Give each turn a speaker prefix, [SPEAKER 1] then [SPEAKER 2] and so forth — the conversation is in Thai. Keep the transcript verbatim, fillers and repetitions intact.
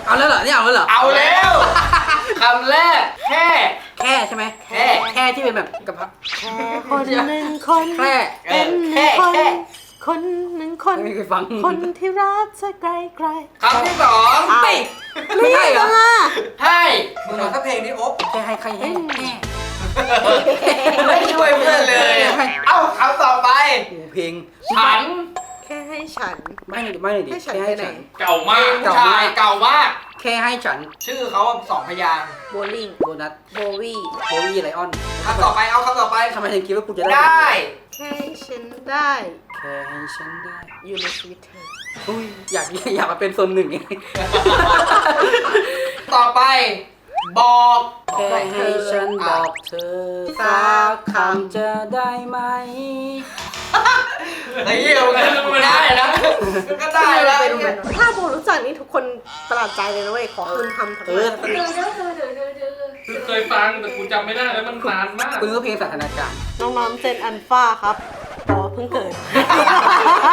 [SPEAKER 1] เอาแล้วเหรอนี่เอาแล้วเหรอ
[SPEAKER 2] เอาแล้วคำแรกแค่
[SPEAKER 1] แค่ใช่ไหมแค่แค่ที่เป็นแบบกระเพาะ
[SPEAKER 3] แค่คนหนึ่งคน
[SPEAKER 1] แค่
[SPEAKER 3] เป็นหนึ่งคนคนหนึ่งคน
[SPEAKER 1] ไม่เคยฟัง
[SPEAKER 3] คนที่รักเธอไกลไกล
[SPEAKER 2] คำที่สอง
[SPEAKER 1] ไม่ไม่ใช่เหรอ
[SPEAKER 2] ให้
[SPEAKER 4] มึงเอาสักเพลงนี้โอ๊บ
[SPEAKER 1] แค่ให้ใครให้แค่
[SPEAKER 2] ไม่ช่วยเพื่อนเลย เอ้าคำต่อไป
[SPEAKER 1] เพลง
[SPEAKER 2] ฉัน
[SPEAKER 3] แค่ให้ฉัน
[SPEAKER 1] ไม่หน่อยไม่หน่อยดิ
[SPEAKER 3] ให้ฉัน
[SPEAKER 1] แค่
[SPEAKER 3] ไป
[SPEAKER 1] ให้
[SPEAKER 3] ไหน
[SPEAKER 1] ฉัน
[SPEAKER 2] เก่ามาก
[SPEAKER 1] เก่า
[SPEAKER 2] ชาม
[SPEAKER 1] าก
[SPEAKER 2] ยเก่ามาก
[SPEAKER 1] แค่ให้ฉัน
[SPEAKER 2] ชื่อเขาสองพยางค์
[SPEAKER 3] โบลิ่ง
[SPEAKER 1] โบนัส
[SPEAKER 3] โบวี่
[SPEAKER 1] โบวี่ไลออน
[SPEAKER 2] คำต่อไปเอาคำต่อไป
[SPEAKER 1] ทำไมถึงคิดว่ากูจะได้
[SPEAKER 2] ได้
[SPEAKER 3] แค่ให้ฉันได้
[SPEAKER 1] แค่ให้ฉันได้
[SPEAKER 3] อยู่ในชีวิตเธอ
[SPEAKER 1] อุ้ยอยากอยากมาเป็นโซนหนึ่งไง
[SPEAKER 2] ต่อไป บอก
[SPEAKER 1] แค่ให้ฉันบอกเธอสักคำจะได้ไหม
[SPEAKER 2] ไอ้เหี้ยมันได้นะมันก็ได้แล้ว
[SPEAKER 3] เป็นเป็นถ้าโบรู้จักนี่ทุกคนประหลาดใจเลยนะเว้ยขอคืนคำทั้ง
[SPEAKER 1] เอ
[SPEAKER 3] หม
[SPEAKER 1] อ
[SPEAKER 3] ด
[SPEAKER 5] เคยฟังแต่กูจำไม่ได้แล้วมันนานมาก
[SPEAKER 1] คุณก็เพลงสถานการณ์
[SPEAKER 3] น้องๆเจนอันฟ้าครับอ๋อเพิ่งเกิด